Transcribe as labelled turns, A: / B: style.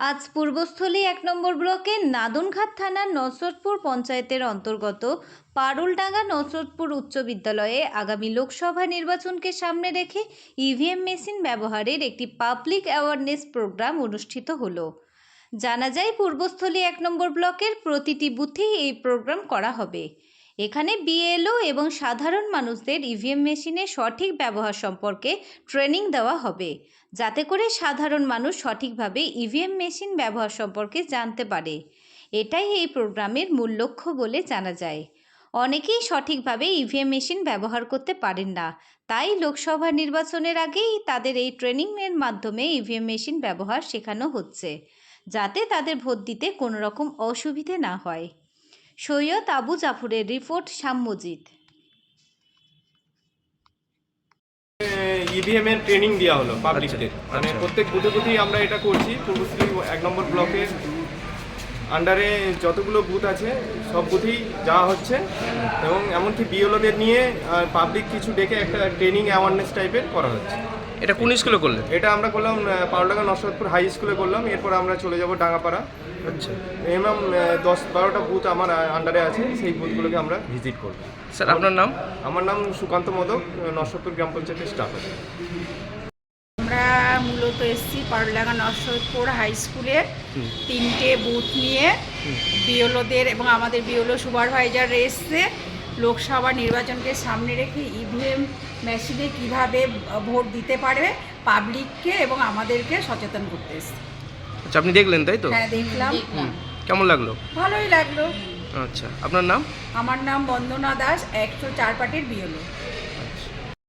A: আজ পূর্বস্থলী ১ নম্বর ব্লকের নাদনঘাট থানার নসরতপুর পঞ্চায়েতের অন্তর্গত পারুলডাঙ্গা নসরতপুর উচ্চ বিদ্যালয়ে আগামী লোকসভা নির্বাচনকে সামনে রেখে ইভিএম মেশিন ব্যবহারের একটি পাবলিক অ্যাওয়ারনেস প্রোগ্রাম অনুষ্ঠিত হলো। জানা যায় পূর্বস্থলী ১ নম্বর ব্লকের প্রতিটি বুথেই এই প্রোগ্রাম করা হবে। এখানে বিএলও এবং সাধারণ মানুষদের ইভিএম মেশিনের সঠিক ব্যবহার সম্পর্কে ট্রেনিং দেওয়া হবে, যাতে করে সাধারণ মানুষ সঠিকভাবে ইভিএম মেশিন ব্যবহার সম্পর্কে জানতে পারে। এটাই এই প্রোগ্রামের মূল লক্ষ্য বলে জানা যায়। অনেকেই সঠিকভাবে ইভিএম মেশিন ব্যবহার করতে পারেন না, তাই লোকসভা নির্বাচনের আগেই তাদের এই ট্রেনিংয়ের মাধ্যমে ইভিএম মেশিন ব্যবহার শেখানো হচ্ছে, যাতে তাদের ভোট দিতে কোনো রকম অসুবিধে না হয়। সৈয়দ আবু জাফরের রিপোর্ট, সাম্যজিৎ।
B: ইভিএম এর ট্রেনিং দেওয়া হলো পাবলিকদের, মানে প্রত্যেক বুথে বুথেই আমরা এটা করছি। পূর্বস্থলী ১ নম্বর ব্লকের আন্ডারে যতগুলো বুথ আছে সব বুথেই যাওয়া হচ্ছে এবং এমনকি বিএলওদের নিয়ে পাবলিক কিছু ডেকে একটা ট্রেনিং অ্যাওয়ারনেস টাইপের করা হচ্ছে।
C: এটা কোন স্কুলে করলেন?
B: এটা আমরা করলাম পারুলডাঙ্গা নসরতপুর হাই স্কুলে করলাম। এরপর আমরা চলে যাব ডাঙ্গাপাড়া।
C: আচ্ছা,
B: মিনিমাম ১০-১২টা বুথ আমার আন্ডারে আছে, সেই বুথগুলোকে আমরা ভিজিট করব।
C: স্যার আপনার নাম?
B: আমার নাম সুকান্ত মোদক, নসরতপুর গ্রাম পঞ্চায়েতের স্টাফ আছে।
D: আমরা মূলত এসেছি পারুলডাঙ্গা নসরতপুর হাই স্কুলে 3টে বুথ নিয়ে বিএলওদের এবং আমাদের বিএলও সুপারভাইজার এসছে লোকসভা নির্বাচনকে সামনে রেখে ইভিএম মেশিনে কিভাবে ভোট দিতে পারবে পাবলিককে এবং আমাদেরকে সচেতন করতে এসছে।
C: আচ্ছা, আপনি দেখলেন তাই তো?
D: হ্যাঁ, দেখলাম।
C: কেমন লাগলো?
D: ভালোই লাগলো।
C: আচ্ছা, আপনার নাম?
D: আমার নাম বন্দনা দাস, ১০৪ পার্টির বিএলও।